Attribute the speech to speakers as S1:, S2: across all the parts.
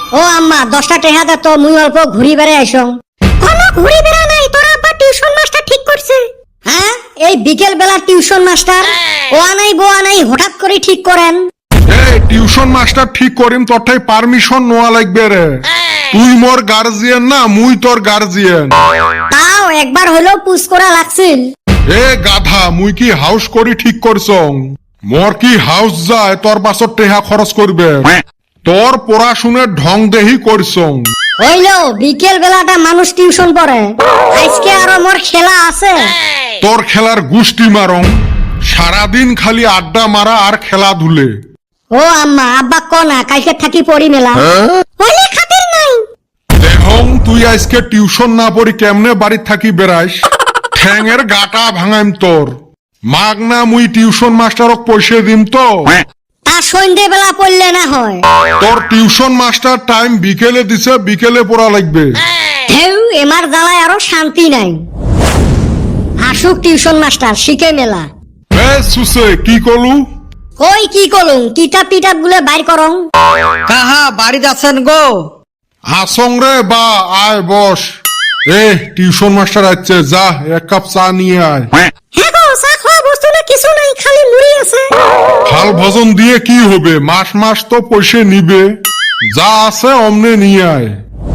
S1: ও আম্মা 10টা টাকা দে তো মুই অল্প ঘুরি বেড়ে আইসং। কোনো ঘুরি বেড়া নাই, তোর আব্বা টিউশন মাস্টার ঠিক করছে। হ্যাঁ, এই বিকেল বেলা টিউশন মাস্টার ও আনাই বো আনাই হঠাৎ করে ঠিক করেন।
S2: এই টিউশন মাস্টার ঠিক করিম তোরটাই পারমিশন নেওয়া লাগবে রে। তুই মোর গার্জিয়ান না, মুই তোর গার্জিয়ান।
S1: তাও একবার হলেও পুশ করা লাগছিল।
S2: এ গাধা, মুই কি হাউস করি ঠিক করছং? মোর কি হাউস যায় তোর পাছত টেহা খরচ করবে? তোর পড়াশুনের ঢং দেহি করছং।
S1: হইলো বিকেল বেলাটা মানুষ টিউশন পড়ে, আজকে আরো মোর খেলা আছে।
S2: তোর খেলার গুষ্টি মারং, সারাদিন খালি আড্ডা মারা আর খেলাধুলে।
S1: ও আম্মা আব্বা কনা কালকে থাকি পড়ি মেলা হইলে খাতির নাই।
S2: দেখং তুই আজকে টিউশন না পড়ি কেমনে বাড়ি থাকি বেড়াইস, ঠ্যাঙের গাটা ভাঙাইম তোর। মাগ না মুই টিউশন মাস্টারক পয়সা দিম তো।
S1: তা সন্ধ্যে বেলা পড়লে না হয়?
S2: তোর টিউশন মাস্টার টাইম বিকেলে দিছে, বিকেলে পড়া লাগবে।
S1: হেউ এমার জ্বালায় আরো শান্তি নাই। আসুক টিউশন মাস্টার শিখে মেলা।
S2: এ সুসে কি কলু?
S1: কই কি করুন, কিতাব টিতাব গুলো বাইর করং।
S3: কাহা বাড়িত আছেন গো?
S2: আসং রে বা, আয় বস। এ টিউশন মাস্টার আছে, যা এক কাপ চা নিয়ে আয়।
S1: হ্যাঁ গো, চা খাওয়া বস্তু না কিছু নাই, খালি মুড়ি আছে।
S2: ফাল ভজন দিয়ে কি হবে, মাস মাস তো পয়সা নিবে। যা আছে অমনে নিয়ে আয়।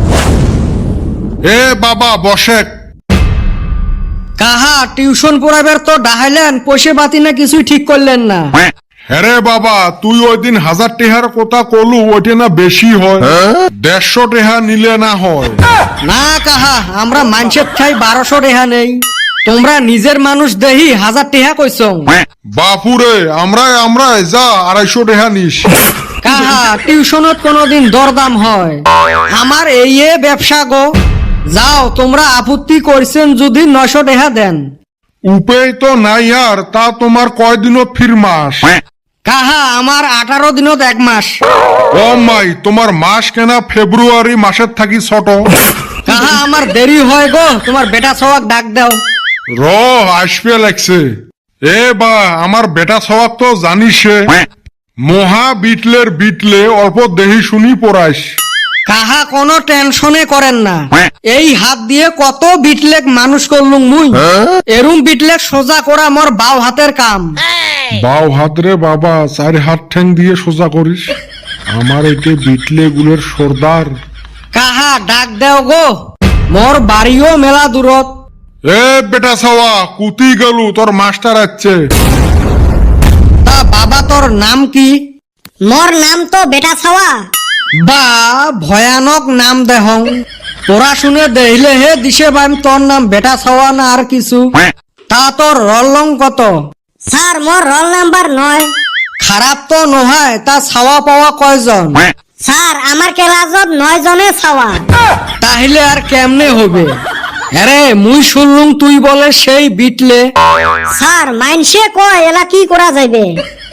S2: এ বাবা বসেক।
S3: কাহা টিউশন পড়াবার তো ডাহাইলেন, পয়সা বাতি না কিছুই ঠিক করলেন না।
S2: হ্যাঁ বাবা, তুই ওই দিন 1000 টেহার কথা কলু, ওইটা না বেশি হয়? 150 টেহা নিলে না হয়?
S3: না কাহা, আমরা মানুষের ঠাই 1200 রেহা নেই, তোমরা নিজের মানুষ দেহি 1000 টেহা কইছং।
S2: বাপুরে, আমরা যা 250 টেহা নিস।
S3: কাহা টিউশনত কোনদিন দরদাম হয়? আমার এই ব্যবসা গো। যাও, তোমরা আপত্তি করছেন যদি 900 টেহা দেন।
S2: উপায় তো নাই আর, তা তোমার কয়দিনত ফির মাস?
S3: কাহা আমার 18 দিনত 1 মাস।
S2: ও মাই, তোমার মাস কেনা ফেব্রুয়ারি মাসের থাকি ছোট।
S3: কাহা আমার দেরি হয় গো, তোমার বেটা সওয়াক ডাক দাও।
S2: র আসবে লাগছে। এ বা, আমার বেটা সবাক তো জানিস, মহা বিটলের বিটলে অল্প দেহি শুনি পড়াইস।
S3: কাহা কোনো টেনশনে করেন না, এই হাত দিয়ে কত বিটলেক মানুষ করলুম মুই। এরুম বিটলেক সোজা করা মোর বাও হাতের কাম।
S2: বাও হাত রে বাবা, 4 হাত ঠ্যাং দিয়ে সোজা করিস। আমার এতে বিটলে গুলের সর্দার।
S3: কাহা ডাক দেও গো, মোর বাড়িও মেলা দূরত।
S2: এ বেটা সওয়া, কুতি গেলু, তোর মাস্টার আছে।
S3: তা বাবা তোর নাম কি?
S1: মোর নাম তো বেটা ছাওয়া।
S3: বা ভয়ানক নাম দেহং। পড়াশুনে দেখিলে হে দিশে বাইম তোর নাম বেটা ছাওয়া না আর কিছু। তা তোর রলং কত?
S1: স্যার মোর রোল নাম্বার 9।
S3: খারাপ তো নহয়, তা ছাওয়া পাওয়া কয়জন?
S1: স্যার আমার ক্লাসত 9 জনে ছাওয়া।
S3: তাহলে আর কেমনে হবে? আরে মুই শুনলুম তুই বলে সেই বিটলে।
S1: স্যার মাইনসে কয় এলা কি করা যাবে।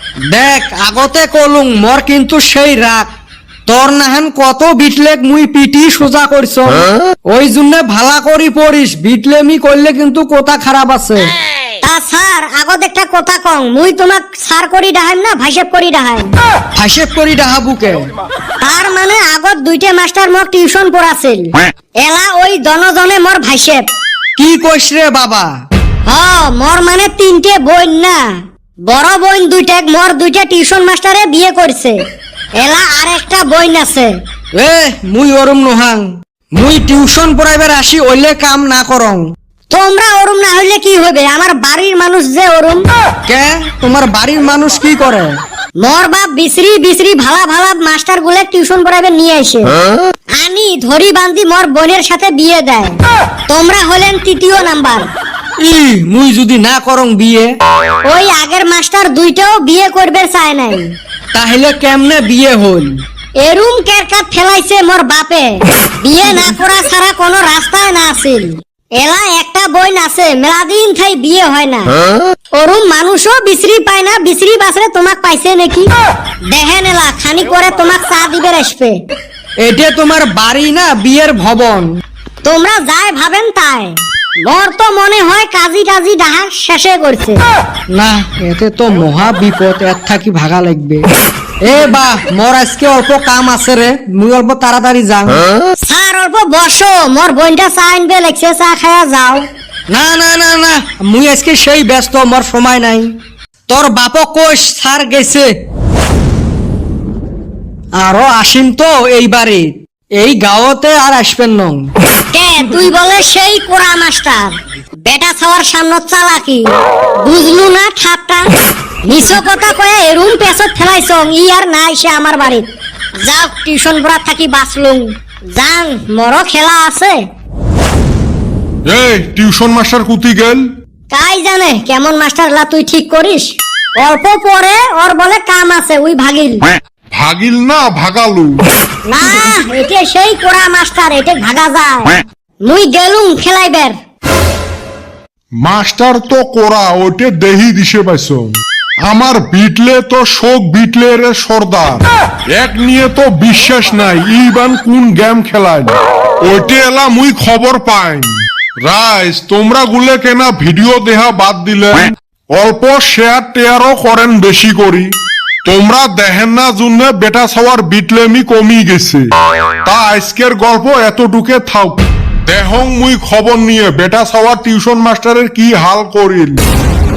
S3: দেখ আগতে কলুম মোর কিন্তু সেই রাগ। তোর নাহেন কত বিটলেক মুই পিটি সোজা করছ, ওই জন্য ভালা করি পড়িস। বিটলেমি করলে কিন্তু কথা খারাপ আছে।
S1: তা স্যার আগত একটা কথা কং, মুই তোমাক স্যার করি ডাহাইম না ভাইসেপ করি ডাহাইম?
S3: হাসেব করি ডাহাবুকে।
S1: তার মানে আগত 2টে মাস্টার মোক টিউশন পড়াছিল, এলা ওই দনজনে মোর ভাইসেপ।
S3: কি কইস রে বাবা?
S1: হ, মোর মানে 3টে বোন না, বড় বোন 2টা, মোর 2টা টিউশন মাস্টারে বিয়ে করছে। এলা আর একটা বোন আছে।
S3: এ মুই ওরম নহাং, মুই টিউশন পড়াইবার আসি ওইলে কাম না করং।
S1: তোমরা ওরম না হইলে কি হবে, আমার বাড়ির মানুষ যে ওরম।
S3: কে তোমার বাড়ির মানুষ কি করে?
S1: মোর বাপ বিসরি বিসরি ভালা ভালা মাস্টার গুলো টিউশন পড়াবে নিয়ে আসে, আনি ধরি বান্ধি মোর বোনের সাথে বিয়ে দেয়। তোমরা হলেন 3য় নাম্বার।
S3: ই মুই যদি না করং বিয়ে?
S1: ওই আগের মাস্টার 2টাও বিয়ে করবে চায় নাই।
S3: তাহলে কেমনে বিয়ে হল?
S1: এরুম কেরকাত ফেলাইছে মোর বাপে, বিয়ে না করা ছাড়া কোনো রাস্তায় না আছিল। এলা একটা বই আছে, মেলাদিন থাই বিয়ে হয় না। ওরুম মানুষও বিসরি পায় না, বিসরি বাসরে তোমাক পাইছে নাকি? দেখেন এলা খানি করে তোমাক চা দিবে আসবে।
S3: এটা তোমার বাড়ি না বিয়ের ভবন?
S1: তোমরা যাই ভাবেন তাই। মোর তো মনে হয় কাজী টাজি ডাহা শেষে করছে।
S3: না, এতে তো মহা বিপদ, এর থাকি ভাগা লাগবে। এ বাহ মোর আজকে অল্প কাম আছে রে, মুই অল্প তাড়াতাড়ি যাং।
S1: স্যার অল্প বসো, মোর বোনটা চা আনবে লেগছে, চা খায়া যাও।
S3: না না না না, মুই আজকে সেই ব্যস্ত, মোর সময় নাই। তোর বাপক কোষ স্যার গেছে, আরো আসিম তো এইবারে, এই গাঁওতে আর আসবেন নং।
S1: কে তুই বলে সেই কোরা মাস্টার, বেটা ছাওয়ার সামনে চালাকি, বুঝলু না ঠাপটা? নিছ কথা কয়ে এরুম পেছত ফেলাইছ, ই আর নাই সে আমার বাড়িত। যাও টিউশন পড়া থাকি বাঁচলুম, যাং মরো খেলা আছে।
S2: এই টিউশন মাস্টার কুতি গেল?
S1: কাই জানে কেমন মাস্টার লা তুই ঠিক করিস। অল্প পরে ওর বলে কাম আছে, উই ভাগিল।
S2: ভাগিল না ভাগালু?
S1: না এটা সেই কোরা মাস্টার, এটা ভাগা যায়। মুই গেলুম খেলাইবার।
S2: মাস্টার তো কোরা, ওইটে দেহি দিছে পাইছ। আমার বিটলে তো শোক বিটলে রে সর্দার, এক নিয়ে তো বিশ্বাস নাই ইবান কোন গেম খেলায়। ওইটে এলা মুই খবর পাই। রাইস তোমরা গুলে কেনা ভিডিও দেহা বাদ দিলে, অল্প শেয়ার টেয়ারও করেন বেশি করি। তোমরা দেখেন না জন্য বেটা ছাওয়ার বিটলেমি কমি গেছে। তা আজকের গল্প এতটুকে থাক। দেহং মুই খবর নিয়ে বেটা ছাওয়ার টিউশন মাস্টারের কি হাল করিল।